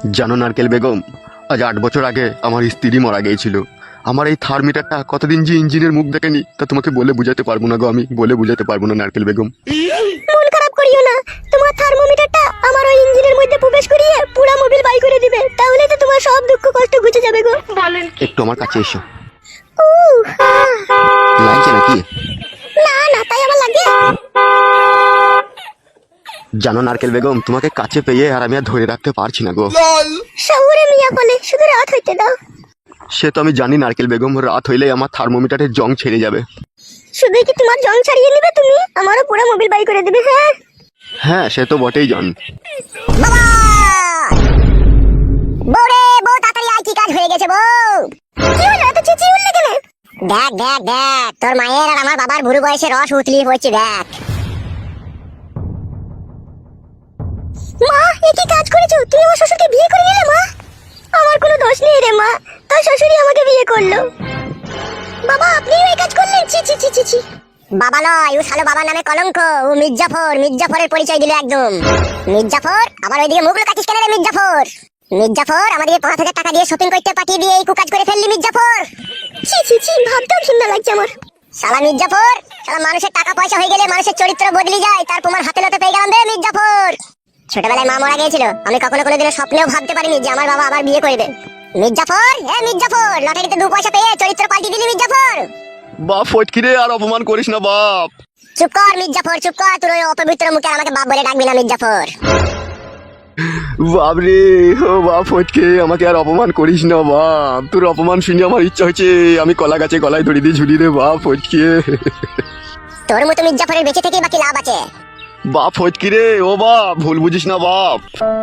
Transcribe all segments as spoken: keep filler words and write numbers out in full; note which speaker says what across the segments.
Speaker 1: জানো নারকেল বেগম, আজ আট বছর আগে আমার স্ত্রী মারা গিয়েছিল। আমার এই থার্মিটারটা কতদিন যে ইঞ্জিনের মুখ দেখেনি তা তোমাকে বলে বুঝাতে পারবো না গো, আমি বলে বুঝাতে পারবো না নারকেল বেগম।
Speaker 2: মন খারাপ করিও না, তোমার থার্মোমিটারটা আমার ওই ইঞ্জিনের মধ্যে প্রবেশ করিয়ে পুরো মোবিল বাই করে দিবে, তাহলে তো তোমার সব দুঃখ কষ্ট ঘুচে যাবে গো। বলেন
Speaker 1: একটু আমার কাছে এসো।
Speaker 2: উহ, আহ।
Speaker 1: লাগছে নাকি?
Speaker 2: না না, তাই আবার লাগে।
Speaker 1: জানো নারকেল বেগম, তোমাকে কাছে পেয়ে আর আমি আর ধরে রাখতে পারছি না গো।
Speaker 2: শহুরে মিয়া বলে শুধু রাত হইতে দাও।
Speaker 1: সে তো আমি জানি নারকেল বেগম, রাত হইলেই আমার থার্মোমিটারের জং ছেড়ে যাবে।
Speaker 2: শুধু কি তোমার জং ছাড়িয়ে নিবে তুমি, আমারও পুরো মোবিল বাই করে দিবে। হ্যাঁ
Speaker 1: হ্যাঁ সে তো বটেই জান।
Speaker 2: বাবা বউরে, বউ তাড়াতাড়ি আয়, কি কাজ হয়ে গেছে বউ? কি হলো, এত চেঁচিয়ে উঠলে কেন? দেখ দেখ দেখ, তোর মায়ের আর আমার বাবার বুড়ো বয়সে রস উতলিয়ে পড়ছে, দেখ। মা, এ কি কাজ করেছো তুমি? আমার শ্বশুরকে বিয়ে করে নিলে মা। আমার কোনো দোষ নেই রে মা, তোর শ্বশুরই আমাকে বিয়ে করলো। বাবা, আপনিও এই কাজ করলেন? ছি ছি ছি ছি ছি। বাবা নয়, ও শালো বাবার নামে কলঙ্ক। ও মির্জাফর, মির্জাফরের পরিচয় দিল একদম। মির্জাফর, আবার ওইদিকে মুখ লুকাচ্ছিস কেন রে মির্জাফর? মির্জাফর, আমাদেরকে পাঁচ হাজার টাকা দিয়ে শপিং করতে পাঠিয়ে দিয়ে এই কুকাজ করে ফেললি মির্জাফর। ছি ছি ছি, ভাবতেও ঘৃণা লাগছে আমার। শালা মির্জাফর, শালা মানুষের টাকা পয়সা হয়ে গেলে মানুষের চরিত্র বদলে যায়, তার প্রমাণ হাতে নাতে পেয়ে গেলাম রে মির্জাফর। ছোটবেলায় মা মারা গিয়েছিল, আমি কখনো কোনোদিনও স্বপ্নেও ভাবতে পারিনি যে আমার বাবা আবার বিয়ে করবে। মির্জাফর, হ্যাঁ মির্জাফর, লটারিতে দু পয়সা পেয়ে চরিত্র পাল্টি দিলি মির্জাফর।
Speaker 1: বাপ ফটকিরে, আর অপমান করিস না বাপ।
Speaker 2: চুপ কর মির্জাফর, চুপ কর, তোর ওই অপবিত্র মুখে আমাকে বাপ বলে ডাকবি না মির্জাফর।
Speaker 1: বাপরে, ও বাপ ফটকে, আমাকে আর অপমান করিস না বাপ। তোর অপমান শুনে আমার ইচ্ছা হচ্ছে আমি কলা গাছে গলায় দড়ি দিয়ে ঝুলি রে বাপ ফটকে।
Speaker 2: তোর মতো মির্জাফরের বেঁচে থেকে বাকি লাভ আছে?
Speaker 1: বাপ ফটকিরে, ও বাপ ভুল বুঝিস না বাপ।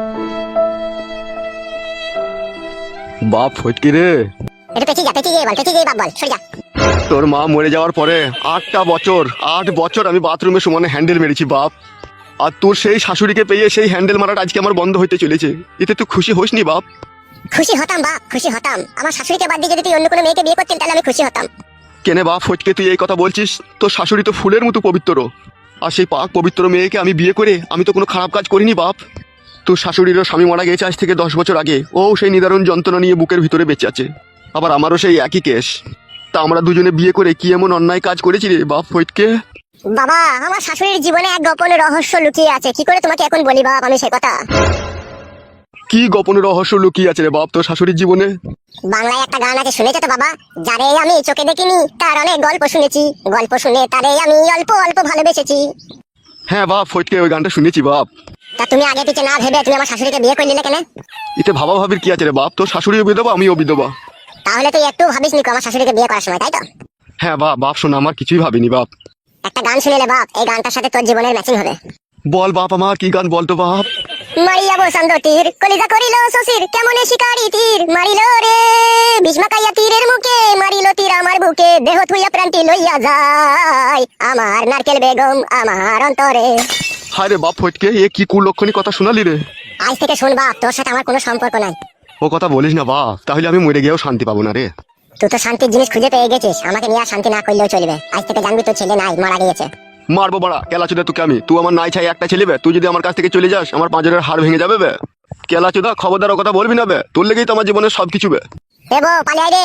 Speaker 1: বাপ ফটকিরে,
Speaker 2: এটা পেঁচে যা, পেঁচে গিয়ে বল, পেঁচে গিয়ে বাপ বল, সরে যা।
Speaker 1: তোর মা মরে যাওয়ার পরে আটটা বছর আট বছর আমি বাথরুমে সমানে হ্যান্ডেল মেরেছি বাপ। আর তোর সেই শাশুড়িকে পেয়ে সেই হ্যান্ডেল মারাটা আজকে আমার বন্ধ হইতে চলেছে, এতে তুই খুশি হসনি বাপ?
Speaker 2: খুশি হতাম বাপ, খুশি হতাম। আমার শাশুড়িকে বাদ দিয়ে যদি তুই অন্য কোনো মেয়েকে বিয়ে করতেন তাহলে আমি খুশি হতাম।
Speaker 1: কেনে বাপ ফটকে তুই এই কথা বলছিস? তোর শাশুড়ি তো ফুলের মতো পবিত্র, আর সেই পাক পবিত্র মেয়েকে আমি বিয়ে করে আমি তো কোনো খারাপ কাজ করিনি বাপ। তোর শাশুড়িরও স্বামী মারা গেছে আজ থেকে দশ বছর আগে, ও সেই নিদারুণ যন্ত্রণা নিয়ে বুকের ভিতরে বেঁচে আছে। আবার আমারও সেই একই কেস। তা আমরা দুজনে বিয়ে করে কি এমন অন্যায় কাজ করেছি রে বাপ ফটকে?
Speaker 2: বাবা, আমার শাশুড়ির জীবনে এক গোপন রহস্য লুকিয়ে আছে, কি করে তোমাকে এখন বলি বাপ আমি সে কথা।
Speaker 1: কি গোপন রহস্য লুকিয়ে আছে রে বাপ তোর শাশুড়ির জীবনে?
Speaker 2: বাংলায় একটা গান আছে, শুনেছো তো বাবা? যারে আমি চোখে দেখিনি তার অনেক গল্প শুনেছি, গল্প শুনে তারে আমি অল্প অল্প ভালোবেসেছি।
Speaker 1: হ্যাঁ বাপ ফটকে, ওই গানটা শুনেছি বাপ।
Speaker 2: তা তুমি আগে পিছে না ভেবে তুমি আমার শাশুড়িকে বিয়ে করে নিলে কেন?
Speaker 1: এতে ভাবা ভাবির কি আছে রে বাপ? তোর শাশুড়িও বিধবা আমিও বিধবা।
Speaker 2: তাহলে তুই একটু ভাবিস নি আমার শাশুড়িকে বিয়ে করার সময়, তাই তো?
Speaker 1: হ্যাঁ বাপ, বাপ শোনা, আমার কিছুই ভাবিনি বাপ।
Speaker 2: একটা গান শুনিলে বাপ, এই গানটার সাথে তোর জীবনের ম্যাচিং হবে।
Speaker 1: বল বাপ, আমার কি গান বলতো বাপ?
Speaker 2: মারিয়া বসন্ত তীর কলিজা করিল শশীর, কেমনে শিকারি তীর মারিল রে, ভীষ্মাকাইয়া তীরের মুখে মারিল তীর আমার বুকে, দেহ থুইয়া প্রান্তি লইয়া যায় আমার নারকেল বেগম আমার অন্তরে।
Speaker 1: হায় রে বাপ ফটকে, এ কি কুলক্ষণী কথা শোনালি রে?
Speaker 2: আজ থেকে শোন বাপ, তোর সাথে আমার কোনো সম্পর্ক নাই।
Speaker 1: ও কথা বলিস না বাপ, তাহলে আমি মরে গিয়েও শান্তি পাবো না রে।
Speaker 2: তুই তো শান্তির জিনিস খুঁজে পেয়ে গেছিস, আমাকে নিয়ে আর শান্তি না করলেও চলবে। আজ থেকে জানবি তোর ছেলে নাই, মারা গিয়েছে।
Speaker 1: মারবো বাড়া কেলাচোদা তোকে আমি। তুই আমার নাই ছাই একটা ছেলে বে, তুই যদি আমার কাছ থেকে চলে যাস আমার পাঁজরের হাড় ভেঙে যাবে বে। কেলাচোদা খবরদার ও কথা বলবি না বে, তোর লেগেই তো আমার জীবনের সবকিছু বে।
Speaker 2: এ বউ পালিয়ে আয় রে।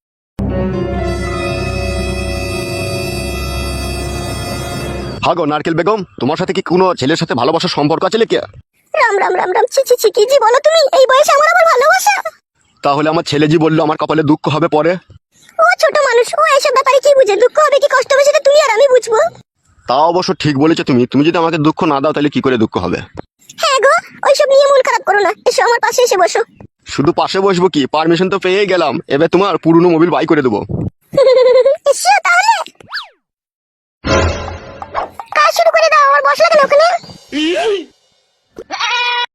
Speaker 1: হাগো নারকেল বেগম, তোমার সাথে কি কোনো ছেলের সাথে ভালোবাসার সম্পর্ক আছে লেকে?
Speaker 2: রাম রাম রাম রাম, ছি ছি ছি, কি জি বলো তুমি? এই বয়সে আমার আবার ভালোবাসা?
Speaker 1: তাহলে আমার ছেলে জি বললো আমার কপালে দুঃখ হবে পরে।
Speaker 2: ও ছোট মানুষ, ও এসব ব্যাপারে কি বুঝে? দুঃখ হবে কি কষ্ট হবে সেটা তুই আর আমি বুঝবো।
Speaker 1: তা অবশ্য ঠিক বলেছো তুমি। তুমি যদি আমাকে দুঃখ না দাও তাহলে কি করে দুঃখ হবে?
Speaker 2: হ্যাঁ গো, ওইসব নিয়ে মন খারাপ করো না, এসো আমার পাশে এসে বসো।
Speaker 1: শুধু পাশে বসবো কি, পারমিশন তো পেয়ে গেলাম, এবার তোমার পুরনো মোবিল বাই করে দেবো।